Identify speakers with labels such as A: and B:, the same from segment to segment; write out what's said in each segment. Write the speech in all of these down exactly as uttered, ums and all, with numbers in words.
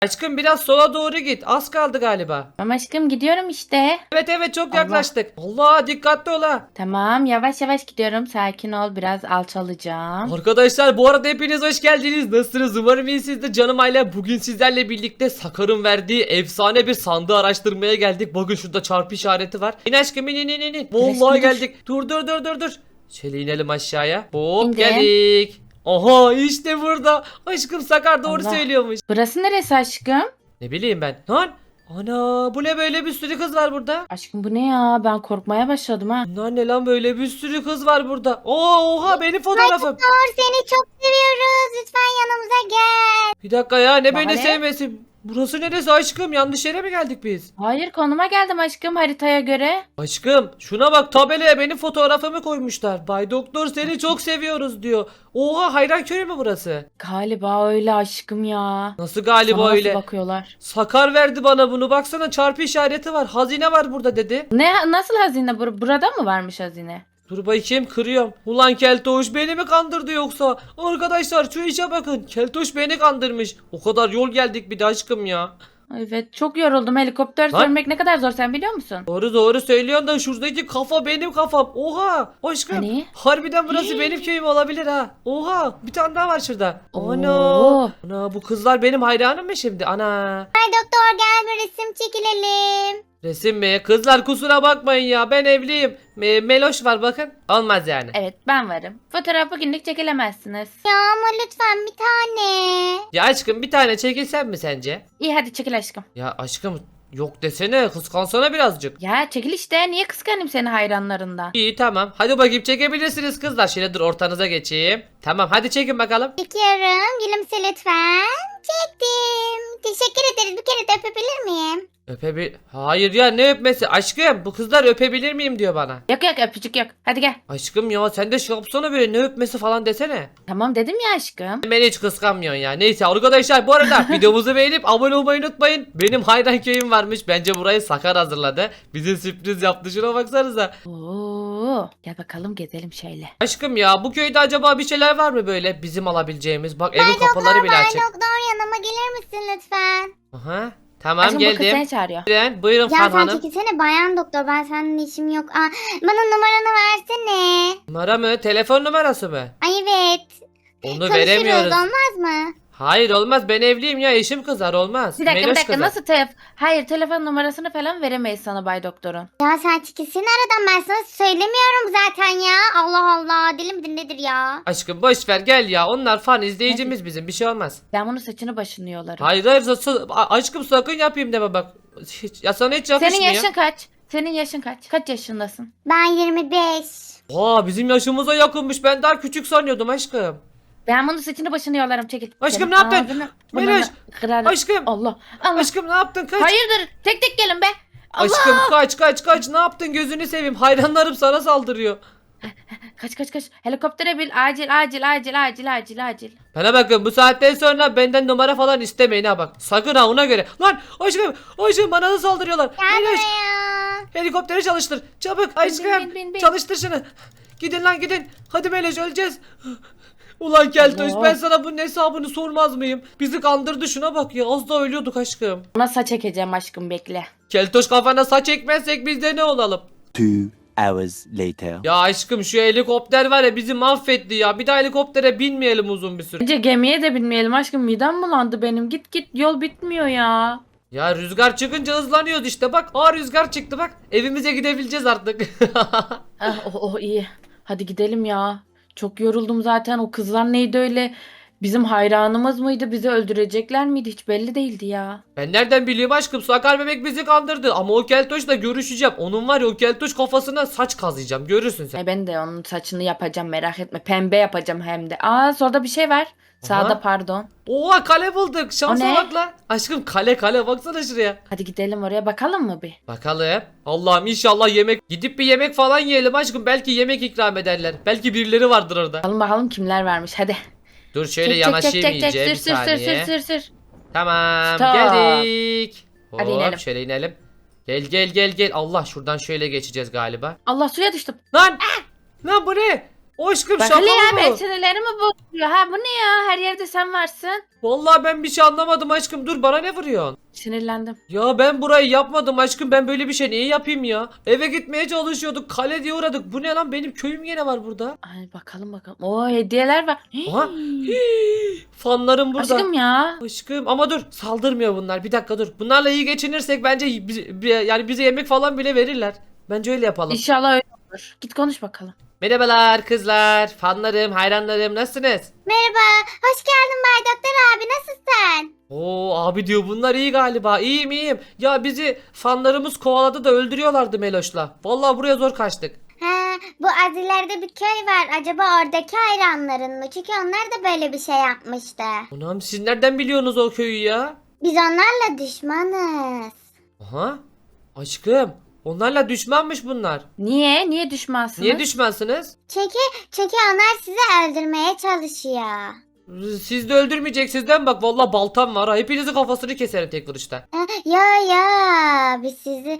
A: Aşkım biraz sola doğru git. Az kaldı galiba.
B: Tamam aşkım gidiyorum işte.
A: Evet evet çok
B: Allah.
A: yaklaştık. Allah dikkatli ol ha.
B: Tamam yavaş yavaş gidiyorum. Sakin ol, biraz alçalacağım.
A: Arkadaşlar bu arada hepiniz hoş geldiniz. Nasılsınız? Umarım iyisinizdir canım aile. Bugün sizlerle birlikte Sakar'ın verdiği efsane bir sandığı araştırmaya geldik. Bakın şurada çarpı işareti var. İn aşkım in in in in. Vallahi
B: Aşkım, dur.
A: geldik. Dur dur dur dur dur. Şöyle inelim aşağıya. Hop
B: İndim.
A: geldik. Aha işte burada. Aşkım Sakar doğru
B: Allah.
A: söylüyormuş.
B: Burası neresi aşkım?
A: Ne bileyim ben. Lan. Ana bu ne böyle bir sürü kız var burada.
B: Aşkım bu ne ya? Ben korkmaya başladım ha.
A: Bunlar ne lan böyle bir sürü kız var burada. Oo, oha benim fotoğrafım.
C: Doktor seni çok seviyoruz. Lütfen yanımıza gel.
A: Bir dakika ya ne
B: Bana
A: beni
B: ne?
A: sevmesi. Burası neresi aşkım? Yanlış yere mi geldik biz?
B: Hayır, konuma geldim aşkım haritaya göre.
A: Aşkım şuna bak, tabelaya benim fotoğrafımı koymuşlar. Bay Doktor seni çok seviyoruz diyor. Oha hayran köyü mü burası?
B: Galiba öyle aşkım ya.
A: Nasıl galiba
B: Sana nasıl
A: öyle?
B: bakıyorlar?
A: Sakar verdi bana bunu. Baksana çarpı işareti var. Hazine var burada dedi.
B: Ne, nasıl hazine? Bur- burada mı varmış hazine?
A: Dur bakayım kırıyorum. Ulan Keltoş beni mi kandırdı yoksa? Arkadaşlar şu işe bakın. Keltoş beni kandırmış. O kadar yol geldik bir de aşkım ya.
B: Evet, çok yoruldum. Helikopter
A: Lan.
B: sürmek ne kadar zor, sen biliyor musun?
A: Doğru doğru söylüyorsun da şuradaki kafa benim kafam. Oha aşkım.
B: Hani?
A: Harbiden burası benim köyüm olabilir ha. Oha bir tane daha var şurada. Ana.
B: Oo.
A: Ana bu kızlar benim hayranım mı şimdi? Ana.
C: Ay doktor gel bir resim çekilelim.
A: Resim mi? Kızlar kusura bakmayın ya ben evliyim. Me- Meloş var bakın. Olmaz yani.
B: Evet, ben varım. Fotoğraf bugünlük çekilemezsiniz.
C: Ya ama lütfen bir tane.
A: Ya aşkım bir tane çekilsen mi sence?
B: İyi, hadi çekil aşkım.
A: Ya aşkım yok desene, kıskansana birazcık.
B: Ya çekil işte, niye kıskanayım seni hayranlarından?
A: İyi tamam. Hadi bakayım çekebilirsiniz kızlar. Şöyle dur ortanıza geçeyim. Tamam hadi çekin bakalım.
C: Çekiyorum. Gülümse lütfen. Çektim. Teşekkür ederiz. Bir kere de öpebilir miyim?
A: Öpebil... Hayır ya ne öpmesi? Aşkım bu kızlar öpebilir miyim diyor bana.
B: Yok yok, öpücük yok. Hadi gel.
A: Aşkım ya sen de şey yapsana böyle, ne öpmesi falan desene.
B: Tamam dedim ya aşkım.
A: Beni hiç kıskanmıyorsun ya. Neyse arkadaşlar bu arada videomuzu beğenip abone olmayı unutmayın. Benim hayran köyüm varmış. Bence burayı Sakar hazırladı. Bize sürpriz yaptı, şuna baksanıza.
B: Oo, gel bakalım gezelim şöyle.
A: Aşkım ya bu köyde acaba bir şeyler var mı böyle bizim alabileceğimiz? Bak evin kapıları bile
C: Bay
A: açık.
C: doktor yanıma gelir misin lütfen?
A: Aha. Tamam
B: Aşkım bu kız
A: geldim.
B: seni çağırıyor.
A: Buyurun, buyurun
C: Ya
A: Fan
C: sen
A: Hanım.
C: çekilsene bayan doktor. Ben seninle işim yok. Aa, bana numaranı versene.
A: Numara mı? Telefon numarası mı?
C: Ay evet.
A: Onu
C: Konuşuruz,
A: veremiyoruz.
C: olmaz mı?
A: Hayır olmaz, ben evliyim ya, eşim kızar olmaz.
B: Bir dakika bir
A: Meloş
B: dakika,
A: kızar.
B: nasıl telef... Hayır, telefon numarasını falan veremeyiz sana Bay Doktor'un.
C: Ya sen çekilsene aradan, ben sana söylemiyorum zaten ya. Allah Allah, deli midir nedir ya?
A: Aşkım boş ver gel ya, onlar fan izleyicimiz bizim, bir şey olmaz.
B: Ben bunun saçını başını yolarım.
A: Hayır hayır sa- sa- a- aşkım sakın yapayım deme bak. Hiç, ya sana hiç yakışmıyor.
B: Senin yaşın kaç? Senin yaşın kaç? Kaç yaşındasın?
C: Ben yirmi beş.
A: Aa bizim yaşımıza yakınmış, ben daha küçük sanıyordum aşkım.
B: Ben bunun saçını başını yolarım, çekil.
A: Aşkım,
B: Senin
A: ne yaptın?
B: ağzını,
A: Meloş,
B: burnunu kırarım.
A: aşkım.
B: Allah. Allah.
A: Aşkım ne yaptın, kaç.
B: Hayırdır? Tek tek gelin be. Allah.
A: Aşkım kaç kaç kaç, ne yaptın, gözünü seveyim, hayranlarım sana saldırıyor.
B: Kaç kaç kaç. Helikoptere bil. Acil acil acil acil acil acil.
A: Bana bakın, bu saatten sonra benden numara falan istemeyin ha bak. Sakın ha, ona göre. Lan aşkım aşkım bana da saldırıyorlar.
C: Gel
A: Meloş,
C: buraya.
A: helikopteri çalıştır. Çabuk aşkım.
B: bin, bin, bin.
A: Çalıştır şunu. Gidin lan gidin. Hadi Meloş öleceğiz. Ulan Keltoş
B: Allah.
A: ben sana bunun hesabını sormaz mıyım? Bizi kandırdı, şuna bak ya, az daha ölüyorduk aşkım.
B: Ona saç ekeceğim aşkım, bekle.
A: Keltoş kafana saç ekmezsek biz de ne olalım?
D: Two hours later.
A: Ya aşkım şu helikopter var ya, bizi mahvetti ya. Bir daha helikoptere binmeyelim uzun bir süre.
B: Bence gemiye de binmeyelim aşkım, midem bulandı benim. Git git, yol bitmiyor ya.
A: Ya rüzgar çıkınca hızlanıyoruz işte bak. Aa rüzgar çıktı bak. Evimize gidebileceğiz artık.
B: Ah, oh, oh iyi. Hadi gidelim ya. Çok yoruldum zaten. O kızlar neydi öyle? Bizim hayranımız mıydı? Bizi öldürecekler miydi? Hiç belli değildi ya.
A: Ben nereden bileyim aşkım, Sakar bebek bizi kandırdı. Ama o keltoşla görüşeceğim. Onun var ya, o keltoş kafasına saç kazıyacağım. Görürsün sen.
B: E ben de onun saçını yapacağım, merak etme. Pembe yapacağım hem de. Aa, solda bir şey var. Sağda pardon.
A: Oha kale bulduk. Şansa
B: O ne?
A: bak lan. Aşkım kale kale, baksana şuraya.
B: Hadi gidelim oraya, bakalım mı bir?
A: Bakalım. Allah'ım inşallah yemek. Gidip bir yemek falan yiyelim aşkım. Belki yemek ikram ederler. Belki birileri vardır orada.
B: Bakalım bakalım kimler varmış, hadi.
A: Dur şöyle
B: Çek, çek,
A: yanaşayım
B: çek, çek,
A: iyice
B: çek.
A: bir
B: Sür, sür, sür,
A: saniye.
B: sür, sür, sür.
A: Tamam
B: Stop.
A: geldik.
B: Hadi
A: Hop,
B: inelim.
A: şöyle inelim. Gel gel gel gel. Allah şuradan şöyle geçeceğiz galiba.
B: Allah, suya düştüm.
A: Lan! Lan bu ne? Aşkım
B: Bak
A: şaka
B: hele ya
A: mı
B: ben
A: bu?
B: sinirlerimi bozuyor. Ha bu ne ya? Her yerde sen varsın.
A: Vallahi ben bir şey anlamadım aşkım. Dur bana ne vuruyorsun?
B: Sinirlendim.
A: Ya ben burayı yapmadım aşkım. Ben böyle bir şey niye yapayım ya? Eve gitmeye çalışıyorduk. Kale diye uğradık. Bu ne lan? Benim köyüm gene var burada.
B: Ay bakalım bakalım. Oo hediyeler var.
A: Aha.
B: Hii.
A: Hii, fanlarım burada.
B: Aşkım ya.
A: Aşkım ama dur saldırmıyor bunlar. Bir dakika dur. Bunlarla iyi geçinirsek bence bi- bi- yani bize yemek falan bile verirler. Bence öyle yapalım.
B: İnşallah öyle olur. Git konuş bakalım.
A: Merhabalar kızlar, fanlarım, hayranlarım nasılsınız?
C: Merhaba. Hoş geldin Bay Doktor abi. Nasılsın?
A: Oo abi diyor bunlar iyi galiba. İyiyim iyiyim. Ya bizi fanlarımız kovaladı da öldürüyorlardı Meloş'la. Vallahi buraya zor kaçtık.
C: Ha, bu az ileride bir köy var. Acaba oradaki hayranların mı? Çünkü onlar da böyle bir şey yapmıştı.
A: Anam siz nereden biliyorsunuz o köyü ya?
C: Biz onlarla düşmanız.
A: Aha. Aşkım onlarla düşmanmış bunlar.
B: Niye? Niye düşmansınız?
A: Niye düşmansınız?
C: Çünkü çünkü onlar sizi öldürmeye çalışıyor.
A: Siz de öldürmeyeceksiniz değil mi? Bak vallahi baltam var. Ha. Hepinizin kafasını keserim tek vuruşta.
C: Ha, ya ya biz sizi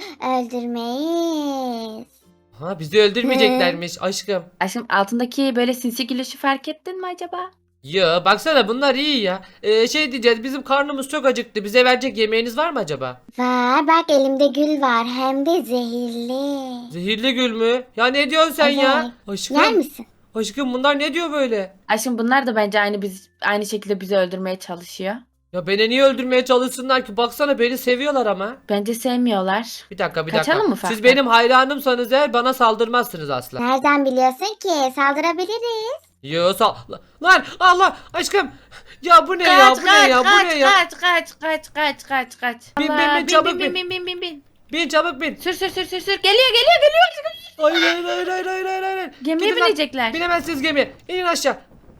C: öldürmeyiz.
A: Ha bizi öldürmeyeceklermiş aşkım.
B: Aşkım altındaki böyle sinsi gülüşü fark ettin mi acaba?
A: Ya baksana bunlar iyi ya. Ee, şey diyeceğiz bizim karnımız çok acıktı. Bize verecek yemeğiniz var mı acaba?
C: Var bak elimde gül var hem de zehirli.
A: Zehirli gül mü? Ya ne diyorsun sen ya?
C: Evet.
A: Aşkım.
C: Yer misin?
A: Aşkım bunlar ne diyor böyle?
B: Aşkım bunlar da bence aynı biz aynı şekilde bizi öldürmeye çalışıyor.
A: Ya beni niye öldürmeye çalışsınlar ki? Baksana beni seviyorlar ama.
B: Bence sevmiyorlar.
A: Bir dakika bir dakika.
B: Kaçalım mı
A: Siz
B: ufaktan?
A: benim hayranımsanız eğer bana saldırmazsınız asla.
C: Nereden biliyorsun ki? Saldırabiliriz.
A: Yo sal... Lan Allah aşkım. Ya bu ne ya bu ne ya bu ne ya?
B: kaç kaç kaç kaç kaç kaç.
A: Bin, bin,
B: Allah,
A: bin, çabuk
B: bin
A: bin.
B: bin bin bin bin.
A: Bin çabuk bin.
B: Sür sür sür sür sür. Geliyor geliyor geliyor.
A: Hayır hayır hayır hayır hayır hayır. hayır.
B: Gemiye
A: Gidin lan.
B: binecekler.
A: Binemezsiniz gemiye. İnin aşağı.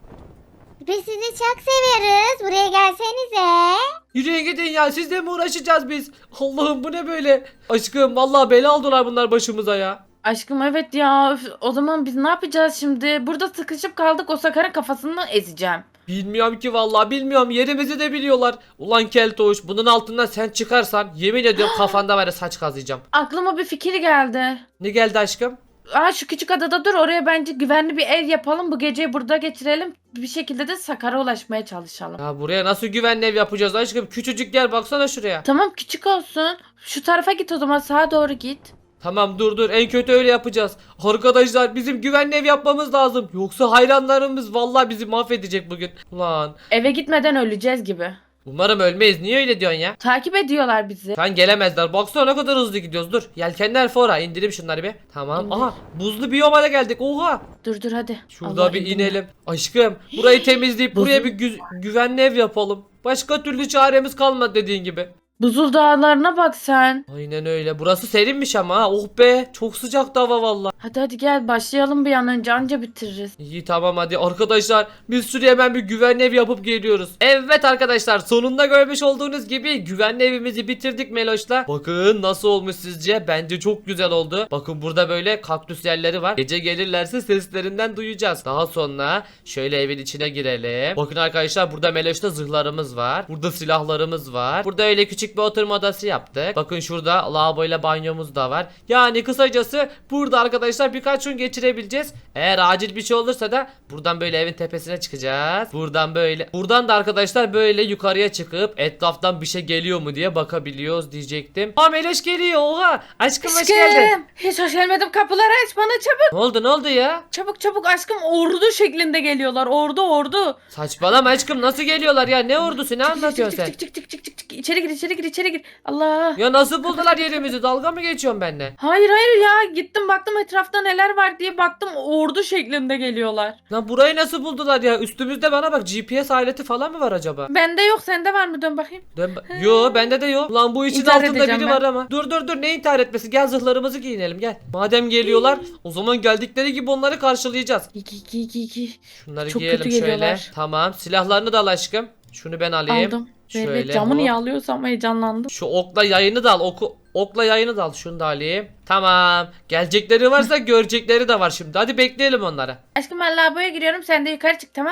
C: Biz sizi çok seviyoruz. Buraya gelsenize.
A: Yürüyün gidin ya sizle mi uğraşacağız biz? Allah'ım bu ne böyle? Aşkım vallahi bela aldılar bunlar başımıza ya.
B: Aşkım evet ya. Üf, o zaman biz ne yapacağız şimdi? Burada sıkışıp kaldık. O Sakar'ın kafasını ezeceğim.
A: Bilmiyorum ki vallahi bilmiyorum yerimizi de biliyorlar. Ulan Keltoş bunun altından sen çıkarsan yemin ediyorum kafanda var ya saç kazıyacağım.
B: Aklıma bir fikir geldi.
A: Ne geldi aşkım?
B: Aa şu küçük adada dur, oraya bence güvenli bir ev yapalım. Bu geceyi burada geçirelim. Bir şekilde de Sakar'a ulaşmaya çalışalım.
A: Ya buraya nasıl güvenli ev yapacağız aşkım? Küçücük yer baksana şuraya.
B: Tamam küçük olsun. Şu tarafa git o zaman, sağa doğru git.
A: Tamam dur dur en kötü öyle yapacağız. Arkadaşlar bizim güvenli ev yapmamız lazım. Yoksa hayranlarımız vallahi bizi mahvedecek bugün. Ulan
B: Eve gitmeden öleceğiz gibi.
A: umarım ölmeyiz. Niye öyle diyorsun ya?
B: Takip ediyorlar bizi.
A: Sen gelemezler. Baksana ne kadar hızlı gidiyoruz. Dur. Yelkenler fora. İndireyim şunları bir. Tamam.
B: İndir.
A: Aha. Buzlu biyoma da geldik. Oha.
B: Dur dur hadi.
A: Şurada
B: Allah
A: bir
B: indirme.
A: inelim. Aşkım burayı temizleyip
B: Buzul-
A: buraya bir gü- güvenli ev yapalım. Başka türlü çaremiz kalmadı dediğin gibi.
B: Buzul dağlarına bak sen.
A: Aynen öyle. Burası serinmiş ama ha. Oh be. Çok sıcak hava valla.
B: Hadi hadi gel başlayalım bir an önce, anca bitiririz.
A: İyi tamam hadi arkadaşlar biz şuraya hemen bir güvenli ev yapıp geliyoruz. Evet arkadaşlar sonunda görmüş olduğunuz gibi güvenli evimizi bitirdik Meloş'la. Bakın nasıl olmuş sizce? Bence çok güzel oldu. Bakın burada böyle kaktüs yerleri var. Gece gelirlerse seslerinden duyacağız. Daha sonra şöyle evin içine girelim. Bakın arkadaşlar burada Meloş'ta zırhlarımız var. Burada silahlarımız var. Burada öyle küçük bir oturma odası yaptık. Bakın şurada lavaboyla banyomuz da var. Yani kısacası burada arkadaşlar birkaç gün geçirebileceğiz. Eğer acil bir şey olursa da buradan böyle evin tepesine çıkacağız. Buradan böyle. Buradan da arkadaşlar böyle yukarıya çıkıp etraftan bir şey geliyor mu diye bakabiliyoruz diyecektim. Aa Meloş geliyor oha. Aşkım hoş geldin.
B: Aşkım hiç hoş gelmedim, kapıları aç bana çabuk.
A: Ne oldu ne oldu ya?
B: Çabuk çabuk aşkım, ordu şeklinde geliyorlar, ordu ordu.
A: Saçmalama aşkım nasıl geliyorlar ya ne ordusu ne
B: Çık,
A: anlatıyorsun
B: çık,
A: sen?
B: çık, çık, çık, çık, çık, çık. İçeri gir içeri gir içeri gir. Allah.
A: Ya nasıl buldular yerimizi dalga mı geçiyorsun benimle?
B: Hayır hayır ya, gittim baktım etrafta neler var diye baktım, ordu şeklinde geliyorlar.
A: Lan burayı nasıl buldular ya? Üstümüzde bana bak G P S aleti falan mı var acaba?
B: Bende yok, sende var mı, dön bakayım.
A: Dön ba- Yo bende de yok. Lan bu için
B: İntihar
A: altında
B: edeceğim
A: biri
B: ben.
A: var ama. Dur dur dur ne intihar etmesi? Gel zırhlarımızı giyinelim gel. Madem geliyorlar o zaman geldikleri gibi onları karşılayacağız.
B: İki iki iki iki.
A: Şunları
B: Çok
A: giyelim
B: kötü
A: şöyle.
B: geliyorlar.
A: Tamam silahlarını da al aşkım. Şunu ben alayım.
B: Aldım.
A: Şöyle,
B: Evet, camı
A: hop.
B: niye alıyorsam heyecanlandım.
A: Şu okla yayını da al. Oku, okla yayını da al. Şunu da alayım. Tamam. Gelecekleri varsa görecekleri de var şimdi. Hadi bekleyelim onları.
B: Aşkım ben lavaboya giriyorum, sen de yukarı çık, tamam mı?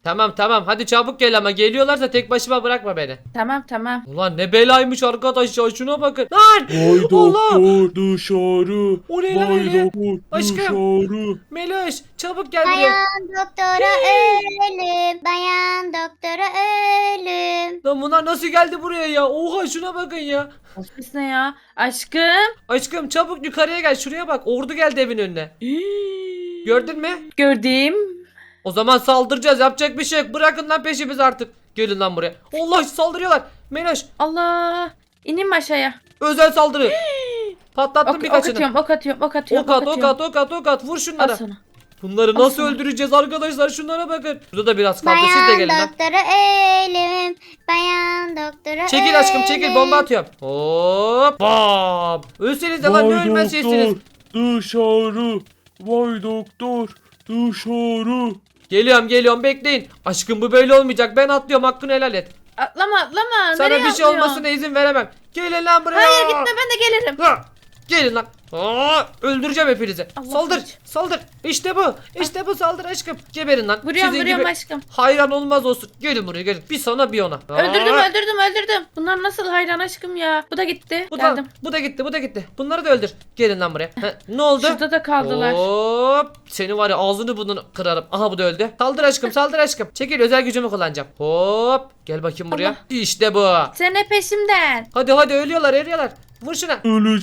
A: Tamam tamam hadi çabuk gel ama geliyorlarsa tek başıma bırakma beni.
B: Tamam tamam.
A: Ulan ne belaymış arkadaş ya şuna bakın. Lan!
E: Vay
A: Allah!
E: doktor dışarı.
A: O ne lan
E: Vay
A: öyle?
E: doktor
A: Aşkım.
E: dışarı.
A: Meloş çabuk gel buraya.
C: Dayan doktora ölüm. Dayan doktora ölüm.
A: Lan bunlar nasıl geldi buraya ya? Oha şuna bakın ya.
B: Ofis ne ya? Aşkım.
A: Aşkım çabuk yukarıya gel şuraya bak. Ordu geldi evin önüne. Gördün mü?
B: Gördüm.
A: O zaman saldıracağız. Yapacak bir şey yok. Bırakın lan peşimizi artık. Gelin lan buraya. Allah saldırıyorlar. Meloş
B: Allah. İnin mi aşağıya?
A: özel saldırı. Patlattım
B: Ok, ok
A: birkaçını.
B: atıyorum, ok atıyorum, ok atıyorum.
A: Ok at, ok
B: atıyorum.
A: at, ok at, ok at. Vur
B: Al
A: şunlara.
B: sana.
A: Bunları
B: Al
A: nasıl
B: sana.
A: öldüreceğiz arkadaşlar? Şunlara bakın. Burada da biraz kaldı. Siz de
C: Dayan
A: gelin lan.
C: doktora ölüm. Dayan doktora
A: Çekil aşkım çekil.
C: ölüm.
A: Bomba atıyorum. Hop. Bam. Ölseniz de lan ne
E: Vay
A: ölmez şeysiniz.
E: doktor dışarı. Vay doktor dışarı.
A: Geliyorum geliyorum bekleyin. Aşkım bu böyle olmayacak. Ben atlıyorum hakkını helal et.
B: Atlama atlama.
A: Sana
B: Nereye
A: bir şey
B: atlıyorsun?
A: olmasına izin veremem. Gelin lan buraya.
B: Hayır gitme ben de gelirim.
A: Ha! Gelin lan. Aa, öldüreceğim hepinizi.
B: Allah
A: saldır.
B: kaç.
A: Saldır. İşte bu. İşte bu saldır aşkım. Geberin lan.
B: Vuruyorum
A: Sizin
B: vuruyorum
A: gibi
B: aşkım.
A: hayran olmaz olsun. Gelin buraya gelin. Bir sana bir ona.
B: Öldürdüm
A: Aa!
B: öldürdüm öldürdüm. Bunlar nasıl hayran aşkım ya. Bu da gitti.
A: Bu da,
B: Geldim.
A: bu da gitti bu da gitti. Bunları da öldür. Gelin lan buraya. Ha, ne oldu?
B: Şurada da kaldılar.
A: Hop. Seni var ya ağzını burnunu kırarım. Aha bu da öldü. Saldır aşkım saldır aşkım. Çekil özel gücümü kullanacağım. Hop. Gel bakayım buraya.
B: Allah.
A: İşte bu.
B: Sen ne peşimden?
A: Hadi hadi ölüyorlar ölüyorlar. Vur şuna.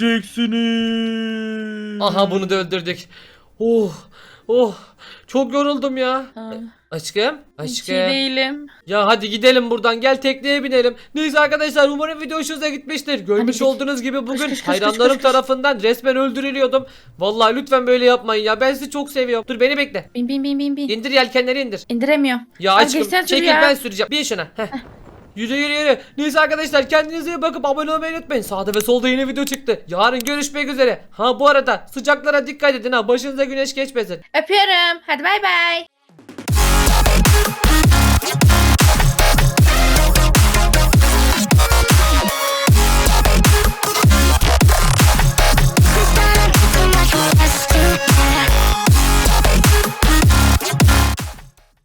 E: Öleceksiniz.
A: Aha bunu da öldürdük. Oh. Oh. Çok yoruldum ya.
B: Ha,
A: Aşkım.
B: hiç iyi
A: Aşkım.
B: değilim.
A: Ya hadi gidelim buradan. Gel tekneye binelim. Neyse arkadaşlar umarım video hoşunuza gitmiştir. Görmüş
B: git.
A: olduğunuz gibi bugün
B: koş, koş,
A: hayranlarım
B: koş, koş.
A: tarafından resmen öldürülüyordum. Vallahi lütfen böyle yapmayın ya. Ben sizi çok seviyorum. Dur beni bekle.
B: Bin bin bin bin bin.
A: İndir yelkenleri indir.
B: İndiremiyorum.
A: Ya
B: Ay,
A: aşkım
B: geçsen sür
A: çekil
B: ya.
A: ben süreceğim. Bin şuna. Heh. Yürü yürü yürü. Neyse arkadaşlar kendinize iyi bakıp abone olmayı unutmayın. Sağda ve solda yeni video çıktı. Yarın görüşmek üzere. Ha bu arada sıcaklara dikkat edin ha. Başınıza güneş geçmesin.
B: Öpüyorum. Hadi bay bay.